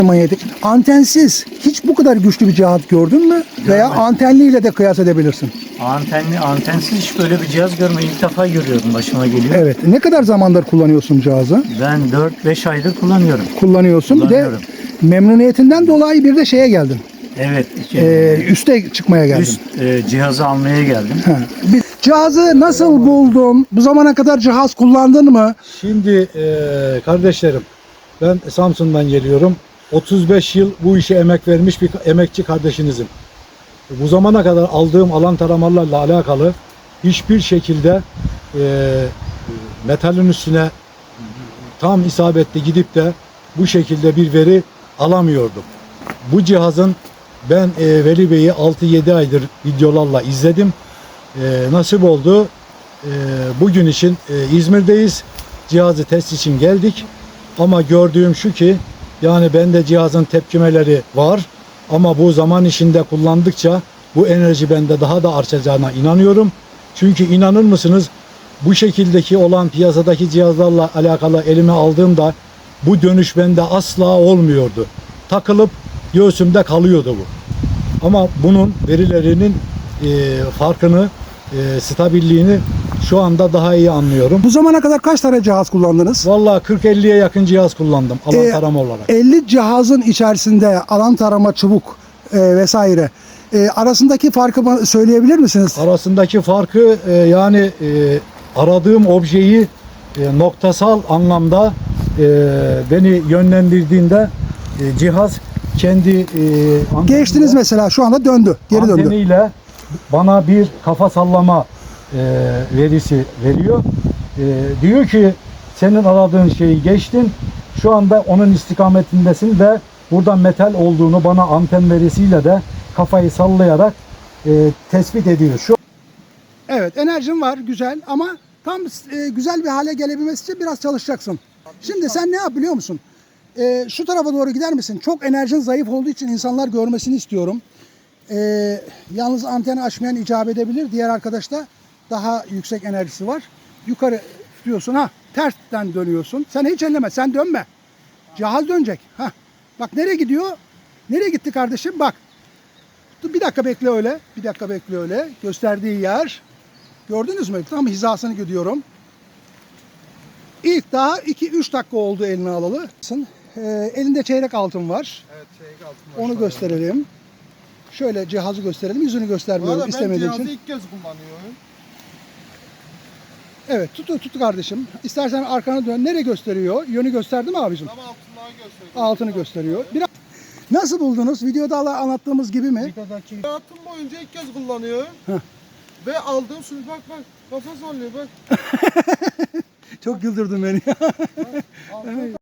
Manyetik. Antensiz hiç bu kadar güçlü bir cihaz gördün mü? Veya antenliyle de kıyas edebilirsin. Antensiz hiç böyle bir cihaz görmedim. İlk defa görüyorum, başıma geliyor. Evet. Ne kadar zamandır kullanıyorsun cihazı? Ben 4-5 aydır kullanıyorum. Kullanıyorsun. Bir de Kullanıyorum. memnuniyetinden dolayı bir de şeye geldin. Evet. Üste çıkmaya geldin. Üst cihazı almaya geldim. Ha. Cihazı nasıl buldun? Bu zamana kadar cihaz kullandın mı? Şimdi kardeşlerim, ben Samsun'dan geliyorum. 35 yıl bu işe emek vermiş bir emekçi kardeşinizim. Bu zamana kadar aldığım alan taramalarla alakalı hiçbir şekilde metalin üstüne tam isabetli gidip de bu şekilde bir veri alamıyordum. Bu cihazın ben Veli Bey'i 6-7 aydır videolarla izledim. Nasip oldu. Bugün için İzmir'deyiz. Cihazı test için geldik. Ama gördüğüm şu ki, yani bende cihazın tepkimeleri var. Ama bu zaman içinde kullandıkça bu enerji bende daha da artacağına inanıyorum. Çünkü inanır mısınız, bu şekildeki olan piyasadaki cihazlarla alakalı elime aldığımda bu dönüş bende asla olmuyordu. Takılıp göğsümde kalıyordu bu. Ama bunun verilerinin farkını, stabilliğini şu anda daha iyi anlıyorum. Bu zamana kadar kaç tane cihaz kullandınız? Vallahi 40-50'ye yakın cihaz kullandım alan tarama olarak. 50 cihazın içerisinde alan tarama, çubuk vesaire arasındaki farkı bana söyleyebilir misiniz? Arasındaki farkı aradığım objeyi noktasal anlamda beni yönlendirdiğinde cihaz kendi Geçtiniz mesela, şu anda döndü, geri döndü. anteniyle bana bir kafa sallama verisi veriyor. Diyor ki senin aradığın şeyi geçtin. Şu anda onun istikametindesin ve buradan metal olduğunu bana anten verisiyle de kafayı sallayarak tespit ediyor. Evet, enerjin var, güzel, ama tam güzel bir hale gelebilmesi için biraz çalışacaksın. Şimdi sen ne yap biliyor musun? Şu tarafa doğru gider misin? Çok enerjin zayıf olduğu için insanlar görmesini istiyorum. Yalnız anteni açmayan icap edebilir. Diğer arkadaşta daha yüksek enerjisi var. Yukarı tutuyorsun, tersten dönüyorsun. Sen hiç elleme, sen dönme. Cihaz dönecek. Bak nereye gidiyor? Nereye gitti kardeşim? Bak. Dur, bir dakika bekle öyle. Bir dakika bekle öyle. Gösterdiği yer. Gördünüz mü? Tam hizasını gidiyorum. İlk daha 2-3 dakika oldu eline alalı. Elinde çeyrek altın var. Evet, çeyrek altın var. Onu gösterelim. Şöyle cihazı gösterelim. Yüzünü göstermiyoruz istemediğim için. Ben cihazı ilk kez kullanıyorum. Evet, tut kardeşim. İstersen arkanı dön. Nereye gösteriyor? Yönü gösterdi mi abicim? Tam altınlığa gösteriyor. Altını gösteriyor. Biraz... Nasıl buldunuz? Videoda anlattığımız gibi mi? Hayatım boyunca ilk kez kullanıyorum. Ve aldığım suyu bak kafa sallıyor bak. Çok güldürdün beni. Altın